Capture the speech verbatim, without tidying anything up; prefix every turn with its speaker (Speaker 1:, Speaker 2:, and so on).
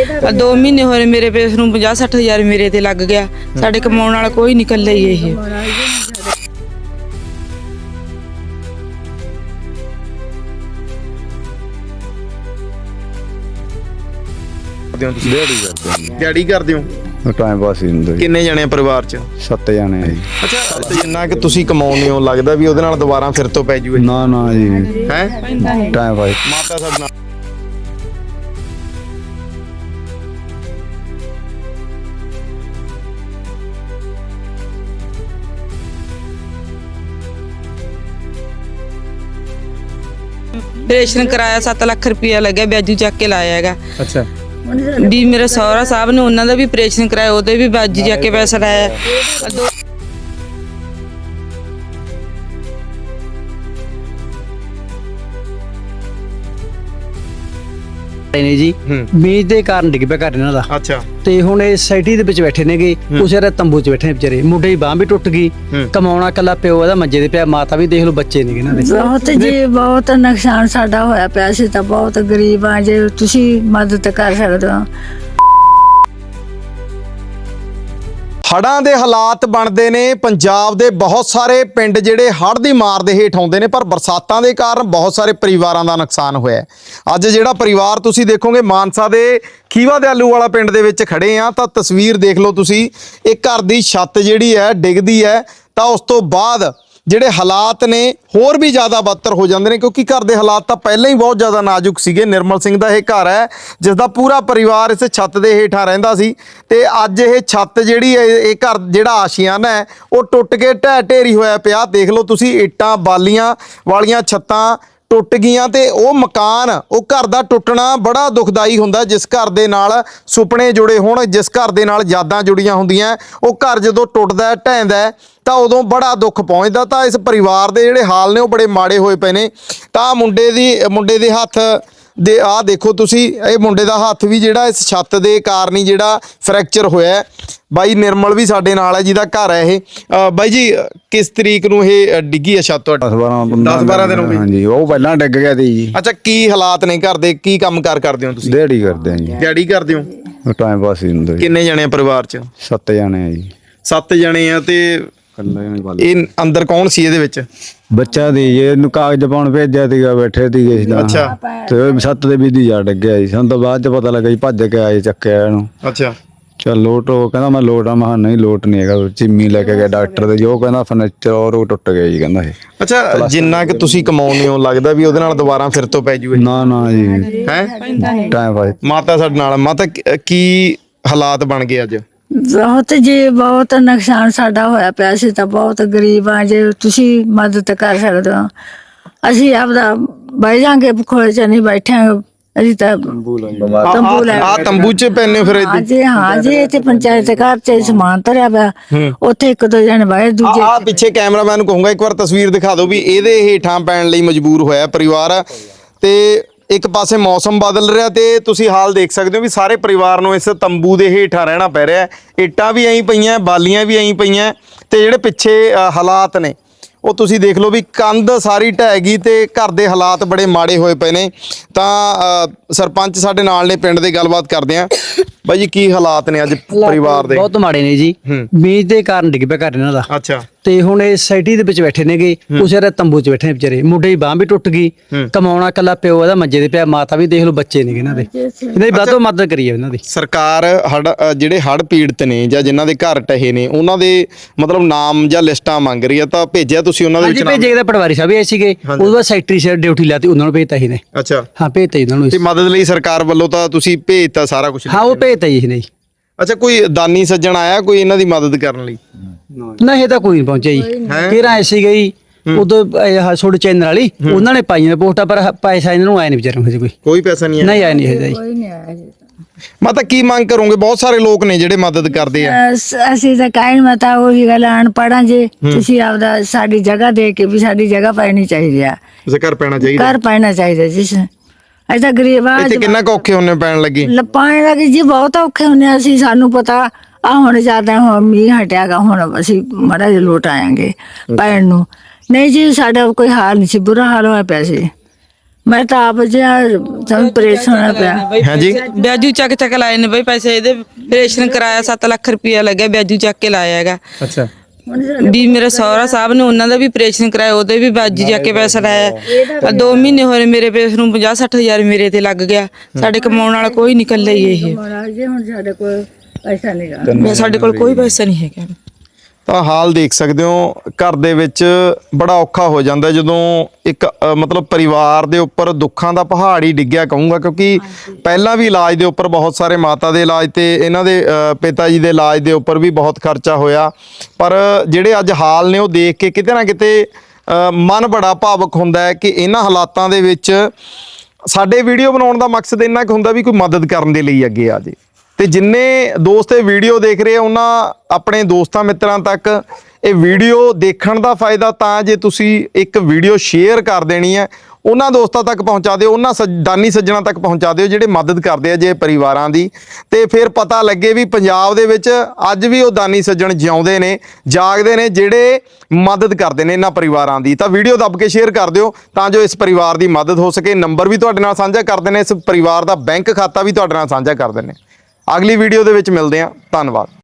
Speaker 1: दो महीने होए मेरे पेस नूं पचास सठ हज़ार मेरे ते लग गया। साडे कमाउण वाला कोई नहीं, कल्ले ही ये।
Speaker 2: ਦਿਹਾੜੀ ਕਰਦੇ ਦਿਹਾੜੀ ਕਰਦੇ ਹੋ
Speaker 3: ਟਾਈਮ ਪਾਸ ਹੀ ਹੁੰਦਾ ਜੀ।
Speaker 2: ਕਿੰਨੇ ਜਣੇ ਪਰਿਵਾਰ ਚ?
Speaker 3: ਸੱਤ ਜਾਣੇ ਆ ਜੀ।
Speaker 2: ਅੱਛਾ, ਤੇ ਜਿੰਨਾ ਕਿ ਤੁਸੀਂ ਕਮਾਉਂਦੇ ਹੋ ਲੱਗਦਾ ਵੀ ਉਹਦੇ ਨਾਲ ਦੁਬਾਰਾ ਫਿਰ ਤੋਂ ਪੈ ਜੂਏ?
Speaker 3: ਨਾ ਨਾ ਜੀ,
Speaker 2: ਹੈ
Speaker 3: ਟਾਈਮ ਪਾਸ।
Speaker 2: ਮਾਤਾ ਸਾਡੇ ਨਾਲ
Speaker 1: ऑपरेशन कराया सत्त लख रुपया लगे, ब्याजू चक के लाया हैगा।
Speaker 2: ਅੱਛਾ
Speaker 1: भी मेरे सहुरा साहब ने उन्होंने भी ऑपरेशन कराया, ਉਹਦੇ भी ब्याजू चक के पैसा लाया। दो
Speaker 4: ਨੇ ਜੀ ਮੀਂਹ ਦੇ ਕਾਰਨ ਡਿੱਗ ਪਿਆ ਘਰ ਇਹਨਾਂ ਦਾ।
Speaker 2: ਅੱਛਾ,
Speaker 4: ਤੇ ਹੁਣ ਇਹ ਸੋਸਾਇਟੀ ਦੇ ਵਿੱਚ ਬੈਠੇ ਨੇਗੇ, ਉਸੇ ਰੇ ਤੰਬੂ 'ਚ ਬੈਠੇ ਨੇ ਵਿਚਾਰੇ। ਮੁੰਡੇ ਦੀ ਬਾਂਹ ਵੀ ਟੁੱਟ ਗਈ, ਕਮਾਉਣਾ ਕੱਲਾ ਪਿਓ ਇਹਦਾ ਮੰਜੇ ਤੇ ਪਿਆ, ਮਾਤਾ ਵੀ ਦੇਖ ਲਓ, ਬੱਚੇ ਨੇ ਇਹਨਾਂ ਦੇ।
Speaker 5: ਬਹੁਤ ਜੀ ਬਹੁਤ ਨੁਕਸਾਨ ਸਾਡਾ ਹੋਇਆ ਪਿਆ ਸੀ, ਤਾਂ ਬਹੁਤ ਗਰੀਬ ਆ। ਜੇ ਤੁਸੀਂ ਮਦਦ ਕਰ ਸਕਦੇ ਹੋ।
Speaker 2: ਹੜ੍ਹਾਂ ਦੇ ਹਾਲਾਤ ਬਣਦੇ ਨੇ ਪੰਜਾਬ ਦੇ, ਬਹੁਤ ਸਾਰੇ ਪਿੰਡ ਜਿਹੜੇ ਹੜ੍ਹ ਦੀ ਮਾਰ ਦੇ ਹੇਠ ਆਉਂਦੇ ਨੇ, ਪਰ ਬਰਸਾਤਾਂ ਦੇ ਕਾਰਨ ਬਹੁਤ ਸਾਰੇ ਪਰਿਵਾਰਾਂ ਦਾ ਨੁਕਸਾਨ ਹੋਇਆ। ਅੱਜ ਜਿਹੜਾ ਪਰਿਵਾਰ ਤੁਸੀਂ ਦੇਖੋਗੇ ਮਾਨਸਾ ਦੇ ਖੀਵਾ ਦੇ ਆਲੂ ਵਾਲਾ ਪਿੰਡ ਦੇ ਵਿੱਚ ਖੜੇ ਆ, ਤਾਂ ਤਸਵੀਰ ਦੇਖ ਲਓ ਤੁਸੀਂ। ਇਹ ਘਰ ਦੀ ਛੱਤ ਜਿਹੜੀ ਹੈ ਡਿੱਗਦੀ ਹੈ, ਤਾਂ ਉਸ ਤੋਂ ਬਾਅਦ ਜਿਹੜੇ ਹਾਲਾਤ ਨੇ ਹੋਰ ਵੀ ਜ਼ਿਆਦਾ ਬਦਤਰ ਹੋ ਜਾਂਦੇ ਨੇ, ਕਿਉਂਕਿ ਘਰ ਦੇ ਹਾਲਾਤ ਤਾਂ ਪਹਿਲਾਂ ਹੀ ਬਹੁਤ ਜ਼ਿਆਦਾ ਨਾਜ਼ੁਕ ਸੀਗੇ। ਨਿਰਮਲ ਸਿੰਘ ਦਾ ਇਹ ਘਰ ਹੈ ਜਿਸ ਦਾ ਪੂਰਾ ਪਰਿਵਾਰ ਇਸ ਛੱਤ ਦੇ ਹੇਠਾਂ ਰਹਿੰਦਾ ਸੀ, ਤੇ ਅੱਜ ਇਹ ਛੱਤ ਜਿਹੜੀ ਹੈ, ਇਹ ਘਰ ਜਿਹੜਾ ਆਸ਼ੀਆਨਾ ਹੈ, ਉਹ ਟੁੱਟ ਕੇ ਢਹਿ ਢੇਰੀ ਹੋਇਆ ਪਿਆ। ਦੇਖ ਲਓ ਤੁਸੀਂ, ਇੱਟਾਂ ਬਾਲੀਆਂ ਵਾਲੀਆਂ ਛੱਤਾਂ ਟੁੱਟ ਗਈਆਂ, ਤੇ ਉਹ ਮਕਾਨ, ਉਹ ਘਰ ਦਾ ਟੁੱਟਣਾ ਬੜਾ ਦੁਖਦਾਈ ਹੁੰਦਾ। ਜਿਸ ਘਰ ਦੇ ਨਾਲ ਸੁਪਨੇ ਜੁੜੇ ਹੋਣ, ਜਿਸ ਘਰ ਦੇ ਨਾਲ ਯਾਦਾਂ ਜੁੜੀਆਂ ਹੁੰਦੀਆਂ, ਉਹ ਘਰ ਜਦੋਂ ਟੁੱਟਦਾ ਢਹਿੰਦਾ ਤਾਂ ਉਦੋਂ ਬੜਾ ਦੁੱਖ ਪਹੁੰਚਦਾ। ਤਾਂ ਇਸ ਪਰਿਵਾਰ ਦੇ ਜਿਹੜੇ ਹਾਲ ਨੇ ਉਹ ਬੜੇ ਮਾੜੇ ਹੋਏ ਪਏ ਨੇ। ਤਾਂ ਮੁੰਡੇ ਦੀ ਮੁੰਡੇ ਦੇ ਹੱਥ ਦੇ ਆਹ ਦੇਖੋ ਤੁਸੀਂ, ਇਹ ਮੁੰਡੇ ਦਾ ਹੱਥ ਵੀ ਜਿਹੜਾ ਇਸ ਛੱਤ ਦੇ ਕਾਰਨ ਹੀ ਜਿਹੜਾ ਫ੍ਰੈਕਚਰ ਹੋਇਆ। ਬਾਈ ਨਿਰਮਲ ਵੀ ਸਾਡੇ ਨਾਲ ਹੈ ਜਿਹਦਾ ਘਰ ਹੈ ਇਹ। ਅ, ਬਾਈ ਜੀ ਕਿਸ ਤਰੀਕ ਨੂੰ ਇਹ ਡਿੱਗੀ ਹੈ ਛੱਤ ਤੁਹਾਡੀ?
Speaker 3: ਦਸ ਬਾਰਾਂ
Speaker 2: ਦਸ ਬਾਰਾਂ ਦਿਨ ਹੋ ਗਏ।
Speaker 3: ਹਾਂਜੀ, ਉਹ ਪਹਿਲਾਂ ਡਿੱਗ ਗਿਆ ਸੀ ਜੀ।
Speaker 2: ਅੱਛਾ, ਕੀ ਹਾਲਾਤ ਨੇ ਘਰ ਦੇ? ਕੀ ਕੰਮ ਕਾਰ ਕਰਦੇ ਹੋ ਤੁਸੀਂ?
Speaker 3: ਦਿਹਾੜੀ ਕਰਦੇ ਆ ਜੀ।
Speaker 2: ਦਿਹਾੜੀ ਕਰਦੇ ਹੋ?
Speaker 3: ਟਾਈਮ ਪਾਸ ਹੀ ਹੁੰਦਾ ਜੀ।
Speaker 2: ਕਿੰਨੇ ਜਣੇ ਆ ਪਰਿਵਾਰ ਚ?
Speaker 3: ਸੱਤ ਜਾਣੇ ਆ ਜੀ।
Speaker 2: ਸੱਤ ਜਣੇ ਆ। ਤੇ ਇਹ ਅੰਦਰ ਕੌਣ ਸੀ ਇਹਦੇ ਵਿੱਚ?
Speaker 3: ਬੱਚਾ ਦੀ ਇਹਨੂੰ ਕਾਗਜ਼ ਪਾਉਣ ਭੇਜਿਆ ਸੀਗਾ, ਬੈਠੇ ਸੀਗੇ ਸੀ।
Speaker 2: ਅੱਛਾ,
Speaker 3: ਤੇ ਛੱਤ ਦੇ ਵੀ ਦੀ ਜਾ ਡਿੱਗਿਆ ਜੀ। ਸਾਨੂੰ ਤਾਂ ਬਾਅਦ ਚ ਪਤਾ ਲੱਗਾ ਜੀ, ਭੱਜ ਕੇ ਆਏ, ਚੱਕਿਆ ਇਹਨੂੰ।
Speaker 2: ਅੱਛਾ,
Speaker 3: ਚੱਲ ਲੋਟ, ਉਹ ਕਹਿੰਦਾ ਮੈਂ ਲੋਟ ਆ। ਮੈਂ ਨਹੀਂ ਲੋਟ ਨਹੀਂ ਹੈਗਾ। ਚਿੰਮੀ ਲੈ ਕੇ ਗਿਆ ਡਾਕਟਰ ਦੇ, ਜੋ ਕਹਿੰਦਾ ਫਰਨੀਚਰ ਔਰ ਉਹ ਟੁੱਟ ਗਿਆ ਜੀ, ਕਹਿੰਦਾ ਇਹ।
Speaker 2: ਅੱਛਾ, ਜਿੰਨਾ ਕਿ ਤੁਸੀਂ ਕਮਾਉਂਦੇ ਹੋ ਲੱਗਦਾ ਵੀ ਉਹਦੇ ਨਾਲ ਦੁਬਾਰਾ ਫਿਰ ਤੋਂ ਪੈ ਜੂਏ?
Speaker 3: ਨਾ ਨਾ ਜੀ,
Speaker 2: ਹੈ
Speaker 3: ਟਾਈਮ ਪਾਸ।
Speaker 2: ਮਾਤਾ ਸਾਡੇ ਨਾਲ। ਮਾਤਾ ਕੀ ਹਾਲਾਤ ਬਣ ਗਏ ਅੱਜ?
Speaker 5: ਬਹੁਤ ਜੀ ਬਹੁਤ ਨੁਕਸਾਨ ਸਾਡਾ ਹੋਇਆ ਪਿਆ ਸੀ, ਤਾਂ ਬਹੁਤ ਗਰੀਬ ਆ। ਜੇ ਤੁਸੀਂ ਮਦਦ ਕਰ ਸਕਦੇ ਹੋ। ਅਸੀਂ ਆਪਦਾ ਬਹਿ ਜਾਂਗੇ, ਖੋਲੇ ਚ ਨਹੀਂ ਬੈਠਾਂਗੇ। ਅਸੀਂ ਤਾਂ ਤੰਬੂ ਲੈ
Speaker 2: ਆ ਤੰਬੂ ਚ ਪੈਨੇ ਫਿਰ ਇੱਥੇ?
Speaker 5: ਜੀ ਹਾਂ ਜੀ, ਇੱਥੇ ਪੰਚਾਇਤ ਘਰ ਚ ਸਮਾਨ ਧਰਿਆ ਪਿਆ, ਉੱਥੇ ਇੱਕ ਦੋ ਜਣੇ ਬਹਿ, ਦੂਜੇ
Speaker 2: ਆ ਪਿੱਛੇ ਕੈਮਰਾਮੈਨ ਨੂੰ ਕਹੂੰਗਾ ਇੱਕ ਵਾਰ ਤਸਵੀਰ ਦਿਖਾ ਦਿਓ ਵੀ ਇਹਦੇ ਹੇਠਾਂ ਪੈਣ ਲਈ ਮਜਬੂਰ ਹੋਇਆ ਪਰਿਵਾਰ। ਤੇ ਇੱਕ ਪਾਸੇ ਮੌਸਮ ਬਦਲ ਰਿਹਾ, ਤੇ ਤੁਸੀਂ ਹਾਲ ਦੇਖ ਸਕਦੇ ਹੋ ਵੀ ਸਾਰੇ ਪਰਿਵਾਰ ਨੂੰ ਇਸ ਤੰਬੂ ਦੇ ਹੇਠਾਂ ਰਹਿਣਾ ਪੈ ਰਿਹਾ। ਇੱਟਾਂ ਵੀ ਐਂ ਪਈਆਂ, ਬਾਲੀਆਂ ਵੀ ਐਂ ਪਈਆਂ, ਤੇ ਜਿਹੜੇ ਪਿੱਛੇ ਹਾਲਾਤ ਨੇ ਉਹ ਤੁਸੀਂ ਦੇਖ ਲਓ ਵੀ ਕੰਧ ਸਾਰੀ ਢਹਿ ਗਈ, ਤੇ ਘਰ ਦੇ ਹਾਲਾਤ ਬੜੇ ਮਾੜੇ ਹੋਏ ਪਏ ਨੇ। ਤਾਂ ਸਰਪੰਚ ਸਾਡੇ ਨਾਲ ਨੇ ਪਿੰਡ ਦੇ, ਗੱਲਬਾਤ ਕਰਦੇ ਆ। ਬਾਈ ਜੀ ਕੀ ਹਾਲਾਤ ਨੇ ਅੱਜ ਪਰਿਵਾਰ ਦੇ?
Speaker 4: ਬਹੁਤ ਮਾੜੇ ਨੇ ਜੀ, ਮੀਂਹ ਦੇ ਕਾਰਨ ਡਿੱਗ ਪਿਆ ਘਰ ਇਹਨਾਂ ਦਾ।
Speaker 2: ਅੱਛਾ,
Speaker 4: ਤੇ ਹੁਣ ਇਹ ਸੋਸਾਇਟੀ ਦੇ ਵਿੱਚ ਬੈਠੇ ਨੇਗੇ, ਉਸੇ ਰੇ ਤੰਬੂ 'ਚ ਬੈਠੇ ਨੇ ਵਿਚਾਰੇ। ਮੁੰਡੇ ਦੀ ਬਾਂਹ ਵੀ ਟੁੱਟ ਗਈ, ਕਮਾਉਣਾ ਕੱਲਾ ਪਿਓ ਇਹਦਾ ਮੰਜੇ ਤੇ ਪਿਆ, ਮਾਤਾ ਵੀ ਦੇਖ ਲਓ, ਬੱਚੇ ਨੇ ਇਹਨਾਂ ਦੇ। ਇਹਨਾਂ ਦੀ ਵੱਧ ਤੋਂ ਮਦਦ ਕਰੀਏ ਇਹਨਾਂ ਦੀ
Speaker 2: ਸਰਕਾਰ। ਹੜ ਜਿਹੜੇ ਹੜ੍ਹ ਪੀੜਤ ਨੇ ਜਾਂ ਜਿਨ੍ਹਾਂ ਦੇ ਘਰ ਟਹੇ ਨੇ, ਉਹਨਾਂ ਦੇ ਮਤਲਬ ਨਾਮ ਜਾਂ ਲਿਸਟਾਂ ਮੰਗ ਰਹੀ ਆ, ਤਾਂ ਭੇਜਿਆ ਤੁਸੀਂ ਉਹਨਾਂ ਦੇ ਵਿੱਚ?
Speaker 4: ਭੇਜੇ ਦਾ ਪਟਵਾਰੀ ਸਾਹਿਬ ਆਏ ਸੀਗੇ, ਉਹਦੇ ਬਾਅਦ ਸੈਕਟਰੀ ਸਰ ਡਿਊਟੀ ਲਾਤੀ, ਉਹਨਾਂ ਨੂੰ ਭੇਜਤਾ ਸੀ ਨੇ।
Speaker 2: ਅੱਛਾ,
Speaker 4: ਹਾਂ ਭੇਜਤਾ ਜੀ ਉਹਨਾਂ ਨੂੰ।
Speaker 2: ਤੇ ਮਦਦ ਲਈ ਸਰਕਾਰ ਵੱਲੋਂ ਤਾਂ ਤੁਸੀਂ ਭੇਜਤਾ ਸਾਰਾ ਕੁਝ?
Speaker 4: ਹਾਂ ਉਹ ਭੇਜਤਾ ਜੀ ਨਹੀਂ।
Speaker 2: ਅੱਛਾ, ਕੋਈ ਦਾਨੀ ਸੱਜਣ ਆਇਆ ਕੋਈ ਇਹਨਾਂ ਦੀ ਮਦਦ ਕਰਨ ਲਈ?
Speaker 4: ਨਾ ਇਹ ਤਾਂ ਕੋਈ ਨਹੀਂ ਪਹੁੰਚਿਆ ਜੀ। ਕਿਹੜਾ ਐਸੀ ਗਈ ਉਦੋਂ ਛੋਟੇ ਚੈਨਲ ਵਾਲੀ, ਉਹਨਾਂ ਨੇ ਪਾਈਆਂ ਪੋਸਟਾਂ, ਪਰ ਪੈਸਾ ਇਹਨਾਂ ਨੂੰ ਆਇਆ ਨਹੀਂ ਵਿਚਾਰਿਆਂ ਨੂੰ। ਕੋਈ
Speaker 2: ਕੋਈ ਪੈਸਾ ਨਹੀਂ ਆਇਆ?
Speaker 4: ਨਹੀਂ ਆਇਆ ਨਹੀਂ ਹੈ ਜੀ।
Speaker 5: ਕੋਈ ਨਹੀਂ ਆਇਆ ਜੀ।
Speaker 2: ਮੈਂ ਤਾਂ ਕੀ ਮੰਗ ਕਰੋਗੇ? ਬਹੁਤ ਸਾਰੇ ਲੋਕ ਨੇ ਜਿਹੜੇ ਮਦਦ ਕਰਦੇ ਆ।
Speaker 5: ਅਸ- ਅਸੀਂ ਤਾਂ ਕਹਿਣ ਮਤਾ ਉਹੀ ਗੱਲ, ਅਨਪੜ੍ਹਾਂ ਜੇ ਤੁਸੀਂ ਆਪਦਾ ਸਾਡੀ ਜਗ੍ਹਾ ਦੇ ਕੇ ਵੀ ਸਾਡੀ ਜਗ੍ਹਾ ਪੈਣੀ ਚਾਹੀਦੀ ਆ।
Speaker 2: ਤੁਸੀਂ ਘਰ ਪੈਣਾ ਚਾਹੀਦਾ?
Speaker 5: ਘਰ ਪੈਣਾ ਚਾਹੀਦਾ ਜੀ। ਅਸੀਂ ਤਾਂ ਗਰੀਬ ਆ।
Speaker 2: ਇੱਥੇ ਕਿੰਨਾ ਕੁ ਔਖੇ ਹੁੰਨੇ ਪੈਣ ਲੱਗੇ?
Speaker 5: ਲੱਪਾਂ ਲੱਗੇ ਜੀ, ਬਹੁਤ ਔਖੇ ਹੁੰਦੇ ਆ ਅਸੀਂ। ਸਾਨੂੰ ਪਤਾ ਆ ਹੁਣ ਜ਼ਿਆਦਾ ਹੁਣ ਮੀਂਹ ਹਟਿਆਗਾ, ਹੁਣ ਅਸੀਂ ਮਾੜਾ ਜਿਹਾ ਲੋਟ ਆਵਾਂਗੇ ਪੈਣ ਨੂੰ। ਨਹੀਂ ਜੀ, ਸਾਡਾ ਕੋਈ ਹਾਲ ਨਹੀਂ ਸੀ, ਬੁਰਾ ਹਾਲ ਹੋਇਆ ਪਿਆ ਸੀ। ਮੈਂ ਤਾਂ ਆਪ ਜਿਹਾ ਸਾਨੂੰ ਪ੍ਰੇਸ਼ਨ ਹੋਣਾ ਪਿਆ।
Speaker 2: ਹਾਂਜੀ
Speaker 1: ਵਿਆਜੂ ਚੱਕ ਚੱਕ ਲਾਏ ਨੇ ਬਈ ਪੈਸੇ, ਇਹਦੇ ਆਪਰੇਸ਼ਨ ਕਰਾਇਆ ਸੱਤ ਲੱਖ ਰੁਪਇਆ ਲੱਗਿਆ, ਵਿਆਜੂ ਚੱਕ ਕੇ ਲਾਇਆ ਹੈਗਾ।
Speaker 2: ਅੱਛਾ
Speaker 1: ਵੀ ਮੇਰੇ ਸਹੁਰਾ ਸਾਹਿਬ ਨੇ ਉਹਨਾਂ ਦਾ ਵੀ ਆਪਰੇਸ਼ਨ ਕਰਾਇਆ, ਉਹਦੇ ਵੀ ਵਿਆਜੂ ਚੱਕ ਕੇ ਪੈਸਾ ਲਾਇਆ। ਆ ਦੋ ਮਹੀਨੇ ਹੋਏ ਮੇਰੇ ਪੇਸ ਨੂੰ ਪੰਜਾਹ ਸੱਠ ਹਜ਼ਾਰ ਮੇਰੇ ਤੇ ਲੱਗ ਗਿਆ। ਸਾਡੇ ਕਮਾਉਣ ਵਾਲਾ ਕੋਈ ਨਹੀਂ, ਇਕੱਲੇ ਹੀ ਇਹ।
Speaker 5: ਮਹਾਰਾਜ ਜੀ ਹੁਣ ਸਾਡੇ ਕੋਲ ਪੈਸਾ ਨਹੀਂ ਗਾ।
Speaker 1: ਸਾਡੇ ਕੋਲ ਕੋਈ ਪੈਸਾ ਨਹੀਂ ਹੈਗਾ।
Speaker 2: ਤਾਂ ਹਾਲ ਦੇਖ ਸਕਦੇ ਹੋ, ਘਰ ਦੇ ਵਿੱਚ ਬੜਾ ਔਖਾ ਹੋ ਜਾਂਦਾ ਜਦੋਂ ਇੱਕ ਅ, ਮਤਲਬ ਪਰਿਵਾਰ ਦੇ ਉੱਪਰ ਦੁੱਖਾਂ ਦਾ ਪਹਾੜ ਹੀ ਡਿੱਗਿਆ ਕਹੂੰਗਾ, ਕਿਉਂਕਿ ਪਹਿਲਾਂ ਵੀ ਇਲਾਜ ਦੇ ਉੱਪਰ ਬਹੁਤ ਸਾਰੇ, ਮਾਤਾ ਦੇ ਇਲਾਜ ਤੇ ਇਹਨਾਂ ਦੇ ਅ, ਪਿਤਾ ਜੀ ਦੇ ਇਲਾਜ ਦੇ ਉੱਪਰ ਵੀ ਬਹੁਤ ਖਰਚਾ ਹੋਇਆ। ਪਰ ਜਿਹੜੇ ਅੱਜ ਹਾਲ ਨੇ ਉਹ ਦੇਖ ਕੇ ਕਿਤੇ ਨਾ ਕਿਤੇ ਅ, ਮਨ ਬੜਾ ਭਾਵੁਕ ਹੁੰਦਾ ਹੈ ਕਿ ਇਹਨਾਂ ਹਾਲਾਤਾਂ ਦੇ ਵਿੱਚ ਸਾਡੇ ਵੀਡੀਓ ਬਣਾਉਣ ਦਾ ਮਕਸਦ ਇੰਨਾ ਕੁ ਹੁੰਦਾ ਵੀ ਕੋਈ ਮਦਦ ਕਰਨ ਦੇ ਲਈ ਅੱਗੇ ਆ ਜੇ। ਤੇ ਜਿੰਨੇ ਦੋਸਤ ਇਹ ਵੀਡੀਓ ਦੇਖ ਰਹੇ ਆ ਉਹਨਾਂ ਆਪਣੇ ਦੋਸਤਾਂ ਮਿੱਤਰਾਂ ਤੱਕ ਇਹ ਵੀਡੀਓ ਦੇਖਣ ਦਾ ਫਾਇਦਾ ਤਾਂ ਜੇ ਤੁਸੀਂ ਇੱਕ ਵੀਡੀਓ ਸ਼ੇਅਰ ਕਰ ਦੇਣੀ ਹੈ, ਉਹਨਾਂ ਦੋਸਤਾਂ ਤੱਕ ਪਹੁੰਚਾ ਦਿਓ, ਉਹਨਾਂ ਸੱਜ- ਦਾਨੀ ਸੱਜਣਾ ਤੱਕ ਪਹੁੰਚਾ ਦਿਓ ਜਿਹੜੇ ਮਦਦ ਕਰਦੇ ਆ ਜੇ ਪਰਿਵਾਰਾਂ ਦੀ। ਤੇ ਫਿਰ ਪਤਾ ਲੱਗੇ ਵੀ ਪੰਜਾਬ ਦੇ ਵਿੱਚ ਅੱਜ ਵੀ ਉਹ ਦਾਨੀ ਸੱਜਣ ਜਿਉਂਦੇ ਨੇ, ਜਾਗਦੇ ਨੇ, ਜਿਹੜੇ ਮਦਦ ਕਰਦੇ ਨੇ ਇਹਨਾਂ ਪਰਿਵਾਰਾਂ ਦੀ। ਤਾਂ ਵੀਡੀਓ ਦੱਬ ਕੇ ਸ਼ੇਅਰ ਕਰ ਦਿਓ ਤਾਂ ਜੋ ਇਸ ਪਰਿਵਾਰ ਦੀ ਮਦਦ ਹੋ ਸਕੇ। ਨੰਬਰ ਵੀ ਤੁਹਾਡੇ ਨਾਲ ਸਾਂਝਾ ਕਰਦੇ ਨੇ, ਇਸ ਪਰਿਵਾਰ ਦਾ ਬੈਂਕ ਖਾਤਾ ਵੀ ਤੁਹਾਡੇ ਨਾਲ ਸਾਂਝਾ ਕਰਦੇ ਨੇ। ਅਗਲੀ ਵੀਡੀਓ ਦੇ ਵਿੱਚ ਮਿਲਦੇ ਹਾਂ। ਧੰਨਵਾਦ।